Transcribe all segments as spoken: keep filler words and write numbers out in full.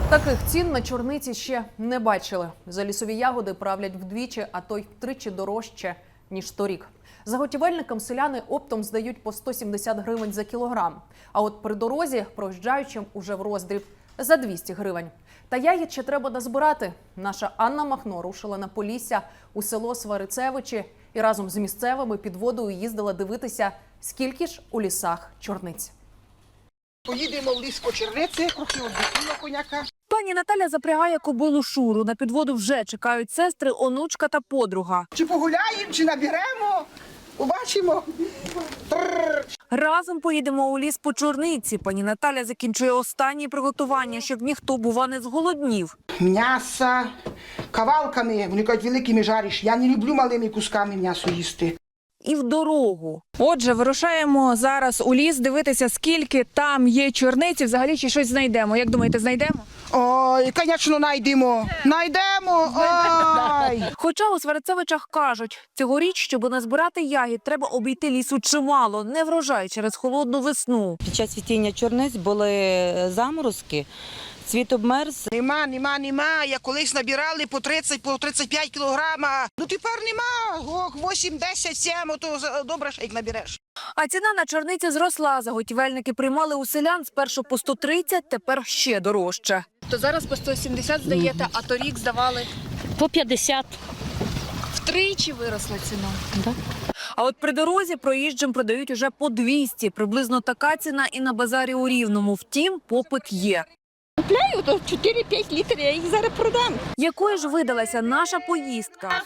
Таких цін на чорниці ще не бачили. За лісові ягоди правлять вдвічі, а то й втричі дорожче, ніж торік. Заготівельникам селяни оптом здають по сто сімдесят гривень за кілограм. А от при дорозі проїжджаючим уже в роздріб за двісті гривень. Та ягід ще треба дозбирати. Наша Анна Махно рушила на Полісся у село Сварицевичі і разом з місцевими під водою їздила дивитися, скільки ж у лісах чорниць. Поїдемо в ліс по черниці, трохи віддихнемо коняка. Пані Наталя запрягає кобилу Шуру. На підводу вже чекають сестри, онучка та подруга. Чи погуляємо, чи наберемо, побачимо. Трррр. Разом поїдемо у ліс по чорниці. Пані Наталя закінчує останні приготування, щоб ніхто, бува, не зголоднів. М'ясо кавалками, вони кажуть, великими жариш. Я не люблю малими кусками м'ясо їсти. І в дорогу. Отже, вирушаємо зараз у ліс дивитися, скільки там є чорниці. Взагалі, чи щось знайдемо. Як думаєте, знайдемо? Ой, звісно, знайдемо. Знайдемо. Ой. Хоча у Сварицевичах кажуть, цьогоріч, щоб назбирати ягід, треба обійти лісу чимало, не врожай через холодну весну. Під час цвітіння чорниць були заморозки, цвіт обмерз. Нема, нема, нема. Я колись набирали по тридцять, по тридцять п'ять кілограма. Ну тепер нема. Ох, вісім, десять, сім, то добре, як набереш. А ціна на чорниці зросла. Заготівельники приймали у селян спершу по сто тридцять, тепер ще дорожче. То зараз по сто сімдесят здаєте, а торік здавали. По п'ятдесят. Втричі виросла ціна. А от при дорозі проїжджим продають уже по двісті. Приблизно така ціна і на базарі у Рівному. Втім, попит є. Купляю, то чотири-п'ять літрів, я їх зараз продам. Якою ж видалася наша поїздка?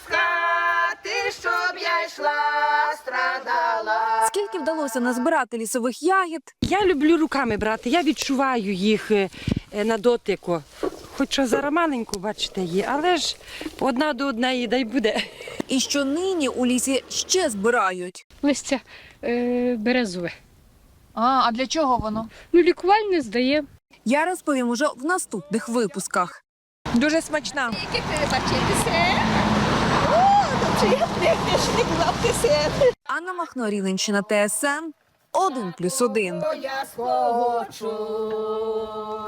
щоб я йшла, страдала. Скільки вдалося назбирати лісових ягід? Я люблю руками брати, я відчуваю їх е, е, на дотику. Хоча зараз маленьку, бачите, є, але ж одна до однієї, дай буде. І що нині у лісі ще збирають? Листя е, березове. А, а для чого воно? Ну, лікувальне здає. Я розповім уже в наступних випусках. Дуже смачна. Анна Махно, Рівненщина, Т С Н один плюс один. Я схочу.